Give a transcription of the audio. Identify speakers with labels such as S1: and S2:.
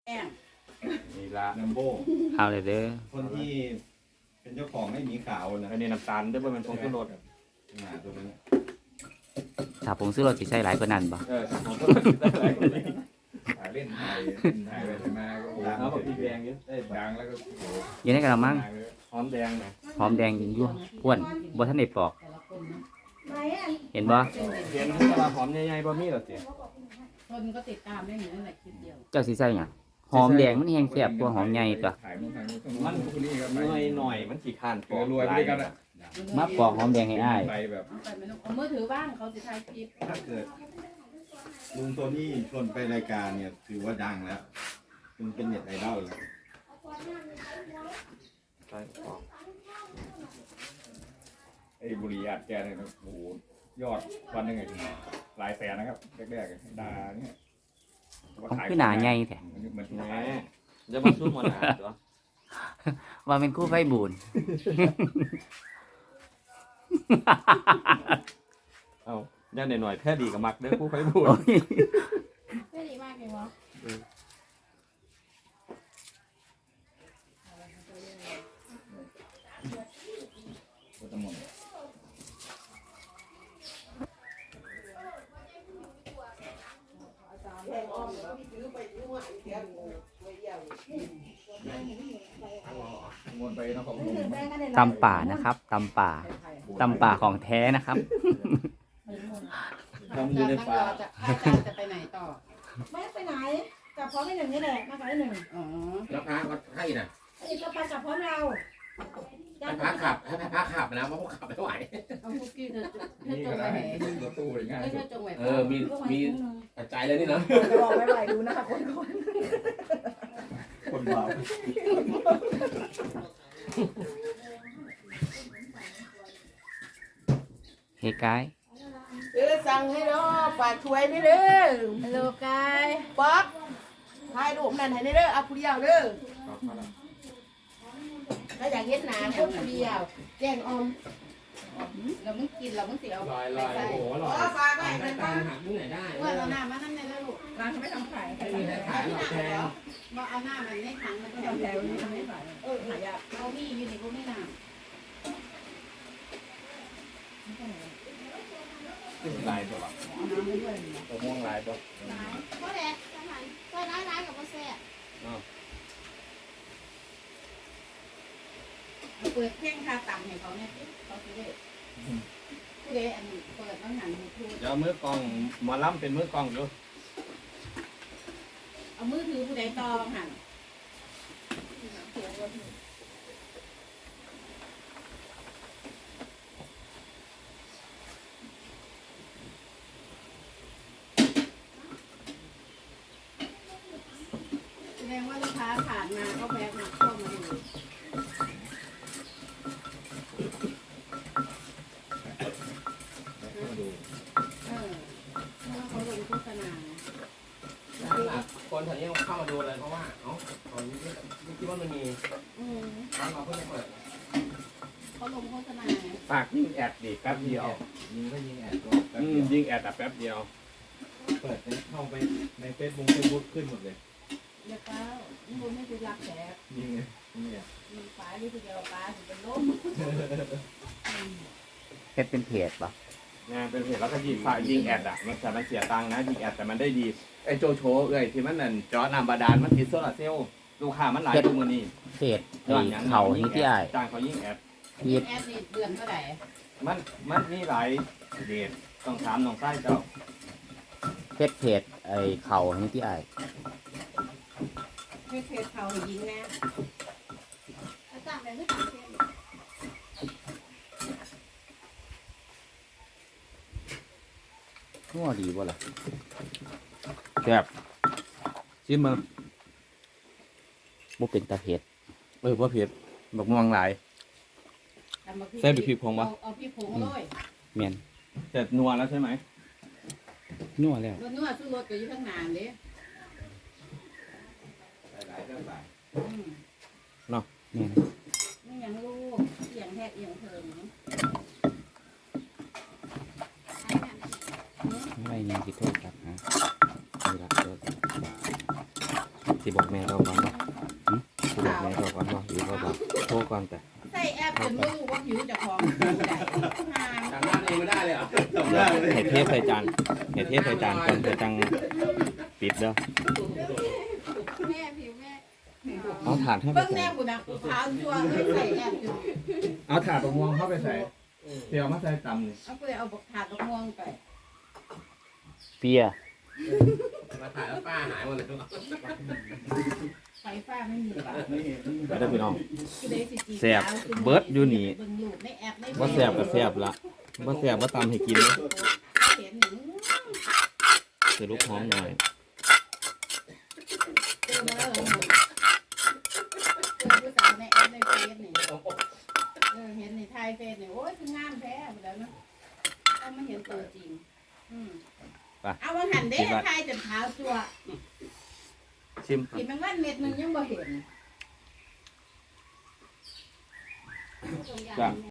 S1: นี่ละ
S2: นัมโบ
S3: เอาเลยเด้อ
S2: คนที่เป็นเจ้าของให้หมีขาวนะ
S1: อันนี้น้ำตาลได้บ่เป็นผงชูรส
S2: หาตัวนั้น
S3: ถ้าผมซื้อรถสิใช้หลายกว่านั้นบ่
S1: ผงชูรสได้หลายกว่านี้
S2: ถ่ายเล่นถ่ายไปถ่ายมาก็ดัง
S1: เอาแบบพริกแดงเยอะได้
S2: ดังแล้วก็โอ้โห
S3: อยู่ในกระมัง
S1: หอมแดงนะ
S3: หอมแดงอยู่พ่วนบ่ทันได้ปอก เห็นบ่
S1: เห็นตลาดหอมใหญ่ๆบ่มีหรอกสิ
S4: คนก็ติดตามได้เหมือนในคลิปเดียว
S3: เจ้าสิใส่หยังหอมแดงมันแห้งแซ่บกว่าหอมใหญ่ตัว
S2: ถ่ายมันถ่ายมันคนนี้ครับ
S1: หน่อยมันขี้ข้าน
S2: เออรวยไปด้วยกันอ่ะ
S3: มาปอกหอมแดงให้อ้าย
S2: ไปแบบ
S4: ไปไม่ต้องเอามือถือบ้างเขาจะถ่ายคลิป
S2: ถ้าเกิดลุงโทนี่ชวนไปรายการเนี่ยถือว่าดังแล้วมันเป็นเน็ตไอดอลแล้ว
S1: ใช่ปอก
S2: ไอ้บุรีอาดแกเนี่ยนะโอ้โหยอดวันหนึงไงหลายแสนนะครับแรกๆดาเนี่ย
S3: ของคือหนาใหญ่แท้
S2: มัน
S1: แหมจะมาสู้มันหาตัว
S3: ว่าเป็นคู่ไฟบูน
S1: เอ้าย่านหน่อยๆแท้ดีกับมักเด้อผู้ไฟบูด
S4: ไม่ดีมากเลยวะ
S2: ก็จะหมด วนไปนครพนม
S3: ตำป่านะครับตำป่าตำป่าของแท้นะครับ
S2: ทำอยู่ในป่า
S4: จะอาจารย์จะไปไหนต่อ
S5: ไม่ไปไหนกลับพร้อมไอ้หนึ่งนี่แหละมากับไอ้หนึ่ง
S4: อ๋อ
S6: แล้วพระวัดให้น่ะ
S5: ไอ้หนึ่งก็ไปกับพร้อมเรา
S6: ให้พระขับให้พระขับนะเพราะพวกขับไม่ไหว
S4: เอาคุกกี้เธอจ
S2: นี่
S4: ง
S2: ก็
S4: ไป
S2: ได้
S4: ไหน
S2: รถตู้ง่าย
S4: เธอจงไป
S6: มีปัจจัยเลยนี่เนาะ
S5: จะบอกไม่ไหวดูนะคะคน
S2: คนบาป
S3: เฮ้กาย
S7: สั่งให้เนาะฝากช่วยนี่เด้อ
S4: ฮัลโหลกาย
S7: ป๊อกถ่ายรูปนั่นให้นี่เด้อเอาผู้เดียวเด้อถ้าอยากเห็นหน้าคนผู้เดียวแกงออม
S4: เรามึงกินเรามึงเสียเอา
S1: ลอย
S4: ไปใส่
S1: โอ้โหล
S7: อ๋
S1: อ
S7: อย ฝากไว้
S6: ได้
S7: ให้
S6: ตา
S7: ฟัง
S6: หักที่ไหนได้
S4: ว่าเราหน้ามานั่นในลูก
S5: ร้านเขาไม่ทำขาย
S6: ไม่มีใครขายหรอกแพง
S4: มาเอาหน้ามันในถังมันก็
S5: ทำ
S4: ทำ
S5: แถ
S4: แล้ว ว
S5: นี้ทำไม่ขายหายาก
S4: เอามีอยู่ในพวกนี้นะ
S2: ลายตัว
S4: เอาน้ำไปด้วย
S2: ตัวม่วงลายตัว
S8: ก็แหละสถานก็ร้ายกับโมเซ่
S4: เอาเปิดเพลงคาต่ำให้เขาเนี่ยเขาจะได้ผู้ใดอันเปิดต้องหันมือถือ
S1: เดี๋ยวมือกองหมอลำเป็นมือกองอยู่
S4: เอามือถือผู้ใดต่อหันแสดงว่าลูกค้าผ่านมาก็แวะมาเข้ามาดูเออเพราะว่าเขาลงโฆษณา
S6: คนแถวนี้เข้ามาดูเลยเพราะว่าเอ้าตอนนี้ไม่คิดว่ามันมี
S4: อืม
S6: ร้านเราเพิ่งเปิด
S4: เขาลงโฆษณา
S1: ฝากยิงแอดดีแป๊บเดียว
S2: ยิงก็ยิงแอดก็
S1: ยิงแอดแต่แป๊บเดียว
S2: เปิดเข้าไปในเฟซบุ๊กขึ้นหมดเลย
S4: เดี๋ยวป้าคุณไม่ได้รักแขก
S2: ยิงเลยเนี่ย
S4: มีป้าที่เดียวป้าถึงเป็นล้ม
S3: เฮ็ดเป็นเพจบ่
S1: งานเป็นเพจแล้วก็ยิงแอดอ่ะมันแต่มันเสียตังค์นะยิงแอดแต่มันได้ดีไอ้โจโฉที่มันนั่นจอน้ำบาดาลมันติดโซลาร์เซลล์ลูกค้ามันหลายตัวมือนี่
S3: เพจไอ้เขานี่ที่อ้าย
S1: จ้างเขายิงแอด
S3: เฮ็ด
S4: แอดนี่เดือนเท่าไหร่
S1: มันมีหลายเดทต้องถามน้องไส้เจ้า
S3: เฮ็ดเพจไอ้เขานี่ที่อ้าย
S4: ให้เพจเขายิงนะ
S8: อาจารย์แบบที่ต่างเทศ
S3: งัวดีบ่ล่ะแซ่บ
S1: ชิมมา
S3: บ่เป็นตาเผ็ด
S1: ว่าเผ็ดบักม่วงหลาย ใส่พริกผงปะ
S4: เอาพริกผงเลย
S3: แม่น
S1: แต่นัวแล้วใช่ไหม
S3: นัวแล้ว
S4: รถนวดซื้อรถก็อยู่ข้างหน้าเลย
S2: หลายเรื่องหลาย
S3: แม่น
S4: ไม่ยังลูกเอียงแทกเอียงเทิง
S3: ไม่ยังสิโทษครับฮะนี่ล่ะโทษสิบอกแม่เราก่อนบ่สิบอกแม่เราก่อนบ่หรือว่าบอกโทรก่อนแต่
S4: ใส่แอปจนไม่รู้ว่าผิวจะพร้อมใดงาม
S6: จำหน้าเองไม่ได้เลยเหรอ
S2: จำได้เลย
S3: ให้เทใส่จานให้เทใส่จานก่อนเพื่อจังปิดเด้อ
S8: แม่ผิวแม่
S3: เอาถาดให้ไป
S4: เบิ่ง
S3: ใส่
S4: แนวกูนะขาวจัวใส่แอปจน
S1: เอาถาดตะม่วงเข้าไปใส่เดี๋ยวมาใส่ตำนี่
S4: เอาไปเอาถาดม่วงไป
S3: เปีย
S6: มาถ่ายแล้วป้าหายหมดเลย
S4: ไฟฟ้าไม่มีป่ะ
S3: ไปเด้อพี่น้อง
S4: กูได้สิจี
S3: แซ่บเบิดอยู่นี่
S4: เบิ่งรูปในแอปใน
S3: บ่แซ่บก็แซ่บละบ่แซ่บบ่ตำให้กินเลย
S4: เห็นหนึ่ง
S3: ใส่ลูกหอมหน่อย
S4: เจอมาแล้วเหรอเจอผู้สาวในแอปในเฟซนี่เห็นในไทยเฟซนี่โอ้ยคืองามแท้หมดแล้วเนาะต้องมาเห็นตัวจริงเอามาหันเด้ไทยจนขาวจัว
S3: ชิม
S4: กินแมงวันเม็ดนึงยังบ่เห็น
S8: ตรงอย่าง